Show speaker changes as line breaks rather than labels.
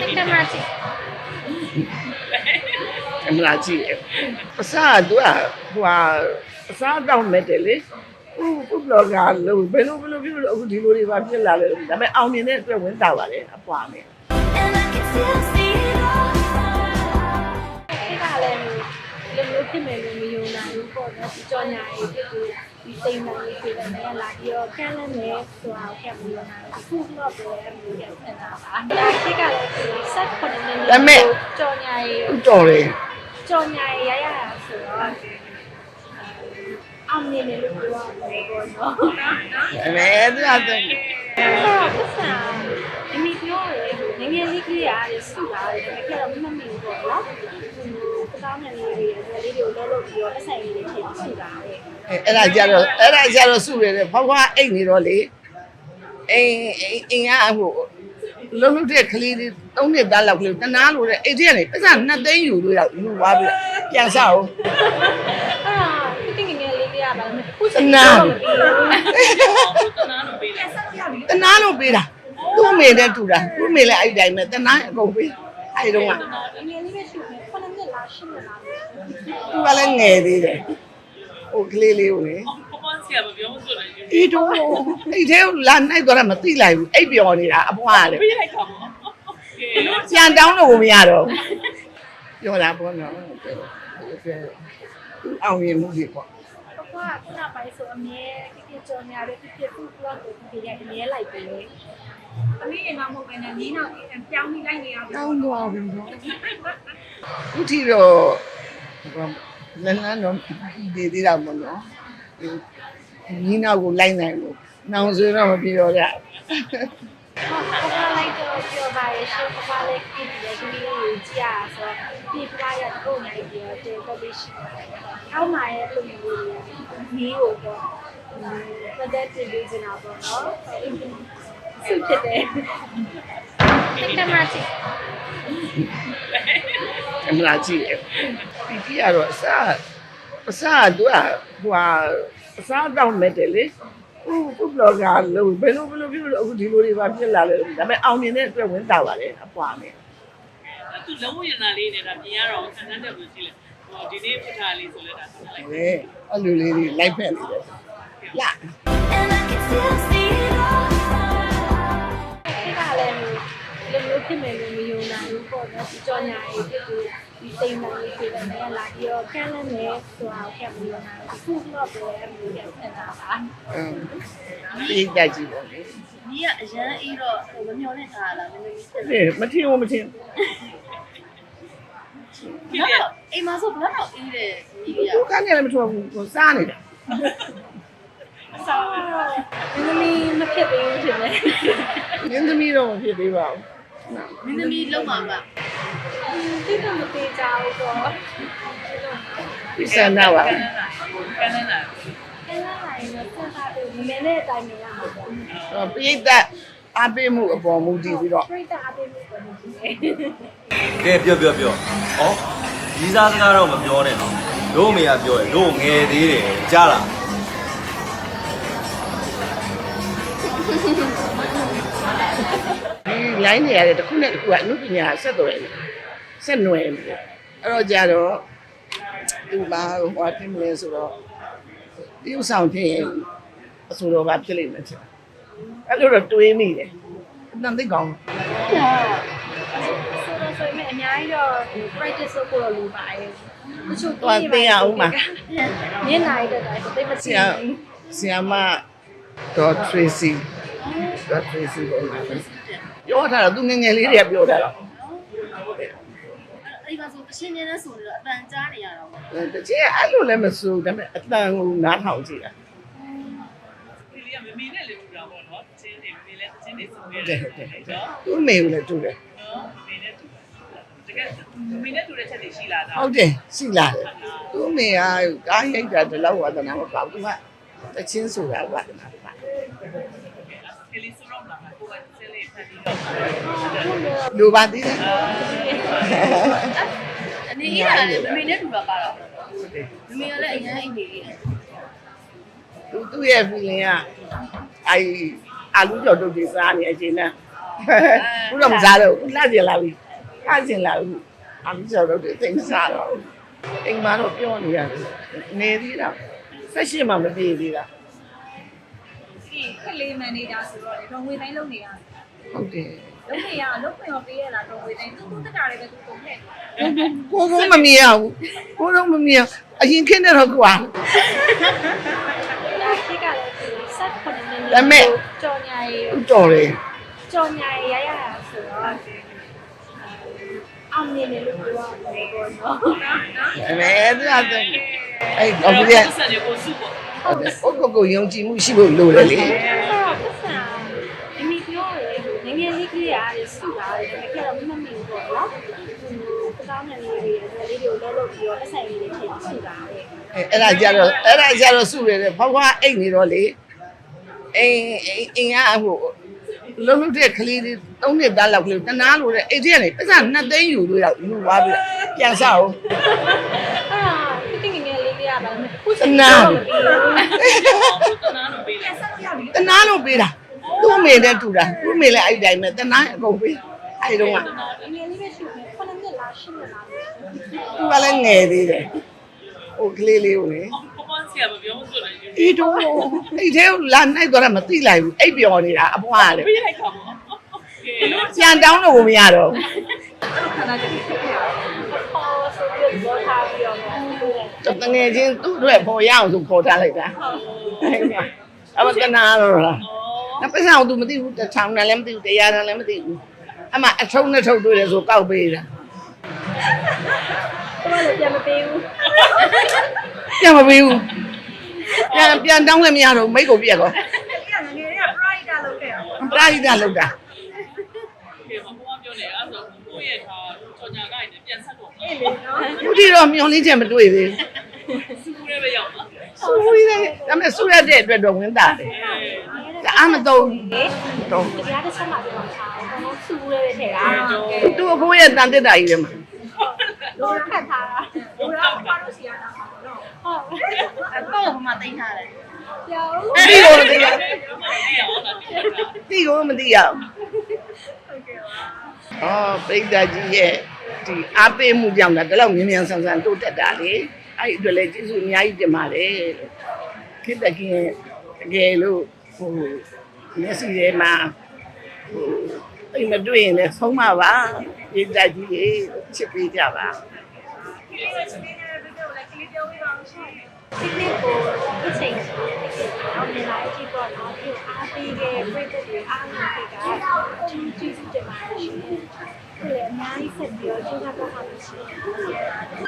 ကင်မရာကြည့်
ကင်မရာကြည့်အစားသူကဟိုအစားတောင်းမဲ့တယ်လေဘလော့ဂါလို့ဘယ်လိုဖြစ်လို့အခုဒီလိုတွေပါဖြစ်လာလဲဒါပေမဲ့အောင်မြင်တဲ့အတွက်ဝင်တာပါလေအပွားနဲ့
ဒီကလည်းလူမျိုးဖြစ်မယ်လို့မယုံနိုင်ဘူးပေါ့နော်ဒီကြော်ညာရေးဖြစ်ပြီးဒီစိတ်မှန်လေးဖြစ်တယ်နဲ့လာပြီးတော့ကန့်လန့်နေဆိုတာကိုခဲ့ပြီးတော့ခုတော့ပဲမျိုးရဖြစ်တာပါဒါရှိကလည်းဆက်ခွန်နေနေကြော်ညာရေး
တော်တယ်
ကြော်ညာရေးရရတာဆိုတော့အောင်မြင်တယ်လို့ပြောရတယ်ပေါ့နော်
အဲသူကတဲ့
ပတ်စံဒီမီပြောရဲငငယ်လေးကြီးရတယ်စုလာတယ်ဒါပေမဲ့မမီဘူးပေါ့နော်တောင်းနေလေးတွေကိုလှုပ်လို့ပြီးတော့ပတ်စံလေးတွေထည့်စုလာတယ်
အဲ့ဒါကြတော့စုရတယ်ဖွားဖွားအိတ်နေတော့လေအိမ်ကဟိုလုံးတဲ့ကလေးတွေ3နှစ်သားလောက်ကလေးတနာလို့တဲ့အိတ်ထဲကနေပတ်စံ2သိန်းယူလို့ရောက်ယူသွားပြီးပြန်ဆောက်
အဲ့ဒါတိငငယ်လေးတွေကပါမယ်ခုစ
နာတနာလို့ပေးတာသူ့မေနဲ့တူတာသူ့မေလည်းအဲ့တိုင်းပဲတနာအကုန်ပေးအဲ့တုန်းက
ငငယ်လေးပဲရှိမယ်9နှစ်လား10နှစ်လား
သူကလည်းငယ်သေးတယ်ဟိုကလေးလေးကိုလေ
ဆရာမပြောမှဆိုတယ်
အေးတော့အဲ့ထဲလာနိုင်တော့မသိလိုက်ဘူးအိပ်ပျော်နေတာအဖွားရတယ်
ပြေးလိုက်တော့
ပြန်တောင်းလို့မရတော့ပြောတာပေါ့နော်အောင်ရင်မှုကြီးပေါ့
ခုနပိုင်းဆိုအမြဲပြည့်ကြော်ညာလေးပြည့်ဖူးဘလော့ကိုပြည့်ရအမြဲလိုက်ပြီလေသမီးရင်တော့မဟုတ်ပဲနဲ့နီးနောက်ပြောင်းပြီးလိုက်နေရပြီ
တောင်းတော့ပြီနော်ခုထိတော့လန်းတော့ဒီသေးတာပေါ့နော်နီးနောက်ကိုလိုက်နိုင်လို့နောင်ဆိုတော့မပြောရ
ဟုတ်လိုက်တော့ပြောပါရဲ့ရှေ့ကလည်းကြည့်တယ်ဒီလိုကြည့်ရဆိုဒီပြားရတော့နိုင်ပြီးတော့တော်တော်ရှိအောက်မှာရဲ့ပုံမျိုးနီးကိုတော့မသက်တည်ပြီးနေတာပေါ့နော်ဆုဖြစ်တယ်ကင်မရာကြည့်
ကင်မရာကြည့်ဒီကတော့အစားသူကဟိုအစားတောင်းမဲ့တယ်လေဘလော့ဂါလို့ဘယ်လိုဖြစ်လို့အခုဒီလိုတွေပါဖြစ်လာလဲဒါပေမဲ့အောင်မြင်တဲ့အတွက်ဝင်တာပါလေအပွားနဲ့
သူလုံးဝရနာလေးနေတာပြင်ရတော့ဆန်းတဲ့လို့ရှိလေဟိုဒီနေ့ဖထားလေးဆိုလဲဒါဆက်လိုက်
တယ်အဲ့လိုလေးတွေလိုက်ဖက်နေတယ်လာ
ဒီကလည်းလူမျိုးဖြစ်မယ်လို့မယုံနိုင်ဘူးပေါ့နော်ဒီကြော်ညာရေးဖြစ်ပြီးဒီစိတ်မှန်လေးဖြစ်တယ်နဲ့လာပြီးတော့ကန့်လန့်နေဆိုတာကိုခဲ့ပြီးတော့ခုတော့ပဲမျိုးရဖြစ်တာပါ
ပြေးတက်ကြည့်ပေါ့လေ
ဒီကအရန်အေးတော့ဟိုမမျောနဲ့ထားလာမင်းတို့
မထင်ဘူးမထင်
တော့အိမ်မှာဆိုဘယ်တော့အေးတယ်ဒီက
သူကနေလည်းမထွားဘူးစားနေတာ
စားမင်းမဖြစ်သေးဘူးထင်တယ်
မင်းသမီးတော့မဖြစ်သေးပါ
ဘူးမင်းသမီးလုံးပါပါ
ဒီတော့မသေးကြဘူးပေါ့
ဒီစမ်းတော့ပါ
ကန်းလာ
ကန်းလာရင်တော့ဆက်တာပြီးမင်းနဲ့အတိုင်းနေရမှာပေါ့
ပြိတ္တအားပေးမှုအပေါ်မူတည်ပြီးတော့
ပြိတ္တအားပေးမှုပေါ်မူတည်
ကဲပြောဩဒီစားစကားတော့မပြောနဲ့နော်တို့မေကပြောတယ်တို့ငယ်သေးတယ်ကြားလား
ဒီ line တွေရတယ်တစ်ခုနဲ့တစ်ခုကအမှုပညာဆက်သွယ်နေဆက်နွယ်နေအဲ့တော့ကြတော့သူဘာဟိုတင်မလဲဆိုတော့ဒီဥဆောင်ဖြစ်ရင်အဆိုတော်ဘာဖြစ်လိမ့်မယ်ချင်အဲ့လိုတော့တွေးမိတယ်အတန်သိကောင်း
ဆိုရင်အများကြီးတော့ practice လုပ်ဖို့လိုပါတယ်တချို့
သိရအောင်ပါ
မျက်နှာရတဲ့တိုင်းသိမသိဘူး
ဆီယမတော့ Tracy တော့ Tracy ပြောထားတော့သူငငယ်လေးတွေကပြောထားတော့
အဲ့မှာဆိုအရှင်းနေတဲ့ဆိုတော့အပန်ကြားနေရတော့
တချင်အဲ့လိုလည်းမစိုးဒါပေမဲ့အတန်ကိုနားထောင်ကြည့်တာ
ဒီလေးကမမေနဲ့လေတူတာပေါ့နော်ချင်းနေမမေလည်းချင်းနေဆိုနေတယ်နော်
သူ့မေကိုလည်းတူတယ်
နော်မေနဲ့တူတကယ်မေနဲ့တူတဲ့ချက်တွေရှိလာတာ
ဟုတ်တယ်ရှိလာတယ်သူ့မေကကားရိုက်တာဒီလောက်ဝါသနာမပေါ့သူကတချင်းဆိုတာဝါသနာပါ
ကလေးဆိုတော့လာကိုယ်ကစလေးဖတ်ပြီးတော့
လူပါသေးတယ်
အနေနဲ့လည်းမမေနဲ့တူတာပါတော့မမေကလည်းအရင်အိမ်နေလေး
သူ့ရဲ့ feeling ကအာလူကြော်တုတ်ကြီးစားနေအချိန်နဲ့ဘူးတော့မစားတော့ဘူးလှကျင်လာပြီလှကျင်လာပြီအမကျော်တော့တိတ်စားတော့အိမ်မှာတော့ပြောနေရတယ်နေသေးတာဆက်ရှိမှမပြေသေးတာ
ဒီခက်လေးမန်နေဂျာဆိုတော့လေတော့ငွေတိုင်းလုပ်နေရတယ်
ဟုတ်တယ်
လုပ်နေရလုပ်ခွင့်ရောပေးရလားတော့ငွေတိုင်းသူတက်တာလည်းပဲသူကုန်ခဲ့
ကိုကုန်းမမြင်ရဘူးကိုတော့မမြင်အရင်ခင်းတဲ့တော့ကွာ
ဒါခေတ်ကလည်းဆက်ခုနှစ်နှစ်
ဒါပေမဲ့
ကြော်ညာရေး
တော်တယ်
ကြော်ညာရေးရရတာဆိုတော့အောင်မြင်တယ်လို့ပြောရတယ်ပေါ့နော်
အဲမဲ့ဒါတော့အဲ့တော့ဒီက
ဆက်နေကိုစုပေါ့
ဟုတ်တယ်ကိုယုံကြည်မှုရှိဖို့လိုတယ်လေ
ပတ်စံအမိပြောတယ်ငငယ်လေးကလေးရတယ်စုတာတယ်ဒါပေမဲ့တော့မမီဘူးပေါ့နော်ကောင်းတဲ့လေးတွေလေးတွေကိုလှုပ်ပြီးတော့အဆိုင်လေးတွေထည့်စုတာတယ်
အဲ့ဒါကြတော့စုရတယ်ဖွားဖွားအိတ်နေတော့လေအိမ်ကဟိုလုံးတဲ့ကလေးတွေ၃နှစ်သားလောက်ကလေးတနာလို့တဲ့အိတ်ထဲကနေပတ်စံ2သိန်းယူလို့ယူသွားပြီပြန်စားအောင်
အဲ့ဒါငငယ်လေးလေးရပါမယ်ခု
တနာ
တနာလို့ပေးလိုက်
တနာလို့ပေးတာသူ့အမေနဲ့တူတာသူ့အမေလည်းအဲ့တိုင်းပဲတနာအကုန်ပေးအဲ့တော့က
ငငယ်လေးပဲရှိမယ်9နှစ်လား10နှစ်လား
သူကလည်းငယ်သေးတယ်ဟိုကလေးလေးကိုလေ
ပပန်းစီကမပြောဆိုတယ်ယူ
အေးတော့အဲ့ထဲလာနိုင်တော့မသိလိုက်ဘူးအိပ်ပျော်နေတာအဖွားလေ
ပေးလိုက်တာပေါ့ကဲ
ပြန်တောင်းလို့မရတော့
ခဏတည်းဖြစ်ခဲ့ရ
ခေါ်ဆိုပြီးတော့ထားပြီးတော့
တငယ်ချင်းသူ့အတွက်ပေါ်ရအောင်ဆိုခေါ်ထားလိုက်တာအမတနာတော့လားနောက်ပတ်စံသူမသိဘူးတစ်ထောင်နဲ့လည်းမသိဘူးတရားနဲ့လည်းမသိဘူးအမအထုံးနဲ့ထုတ်တွေ့တယ်ဆိုကောက်ပေးတာ
တော့လည်းပြန်မပေးဘူး
ပြန်မပေးဘူးပြန်တောင်းလည်းမရတော့မိတ်ကိုပြက်ကော
ဒီကငငယ်လေးက pride လုပ်ခဲ့ရ
ပရာဟိတလောက်တာ
ကဲပပန်းပြောနေအဲ့ဆိုကိုယ့်ရဲ့ထားကြော်ညာကိုင်းနဲ့ပြန်ဆက်တော့
အေးလေနော်
ခုထိတော့မျောလင်းချက်မတွေ့သေး
စုရဲပဲရောက်ပါ
ဘူးဆူရတဲ့ဒါပေမဲ့ဆူရတဲ့အတွက်တော့ဝင်တာတယ်ဒါအမတော့တော့
တရားတစ်ချက်မှပြောတာဘာလို့စူးရဲထည့်တာ
သူ့အဖိုးရဲ့တန်တက်တာကြီးတယ်မှာ
လို့ခတ်ထားတာ
ဘိုးတော်ဘာလို့စီရတာပေါ့နော်
ဟုတ်
အတော့ဘာမှတိတ်ထားတယ်
ပြောင်း
တိကိုမသိရ
ဒီအောင်တာတိတာ
တိကိုမသိရဘူး
ဟုတ်ကဲ့ပါ
အော်ပိဋကကြီးရဲ့ဒီအားပေးမှုကြောင့်ဒါတော့မြင်မြန်ဆန်ဆန်တိုးတက်တာလေအဲ့ဒီအတွက်လည်းကျေးဇူးအများကြီးတင်ပါတယ်လို့ခိတ္တကင်းတကယ်လို့ဟိုမျက်စိထဲမှာဟိုအိမ်မတွေ့ရင်လည်းဆုံးမပါပိဋကကြီးရေချစ်ပေးကြပါ
ဒီလိုချင်းနေတဲ့ဗီဒီယိုလည်းကလစ်ပြောပြီးပါအောင်ရှင်
ဒီနေ့ကိုအချိန်ကြီးအောင်မြင်လာကြည့်တော့တော့ဒီအားပေးတဲ့ပြည့်တဲ့တွေအားလုံးတွေကကျေးဇူးတင်ပါတယ်ရှင်။ဒီလည်းအများကြီးဆက်ပြီးတော့ကျေးဇူးတော်ပါလို့ရှိရင်